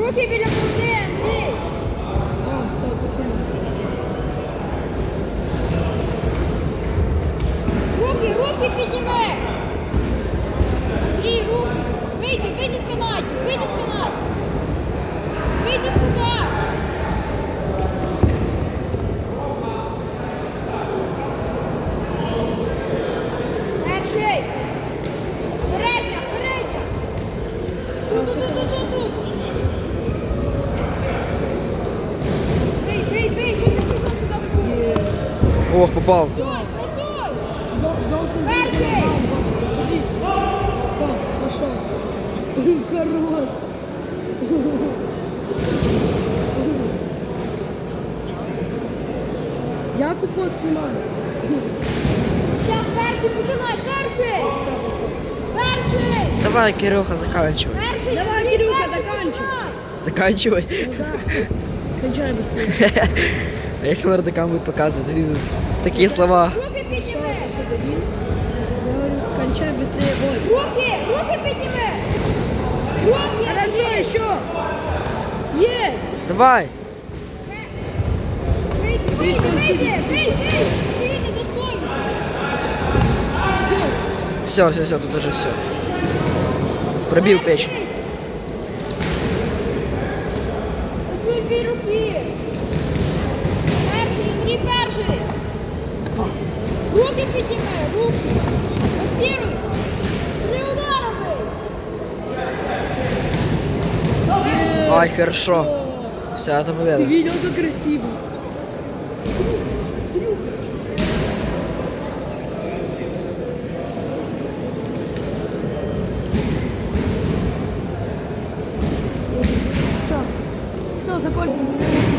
Руки біля груди, Андрій. А, все, пошли. Руки підніми. Андрій, руки. Вийди з канатів, вийди з канатів. Вийди з кута. Перший. Середня. Тут. Бий, що ти пішов сюди в кут? Ох, попал. Працюй. Должен быть. Перший. Все, пошел. Хорош. Я купот снимаю. Так, перший, починай, перший. Давай, Кирюха, заканчивай. Перший, Давай, Андрій, Кирюха, перший заканчивай. починай. Заканчивай. Кончай быстрее. А если мордокам будет показывать, они тут такие слова. Руки підніми. Что, дебил? Я говорю, кончай быстрее бой. Руки підніми. Руки. Хорошо, Андрій. еще. Есть. Давай. Вийди. Ти не достоїш. Все, тут уже все. Пробил печень. Працюй дві руки. Перший, Андрій, перший. Руки підніми, руки. Фіксируй. 3 удари бий. Ай, хорошо. Все, это Ты победа. видел, как красиво? Все, закончилось.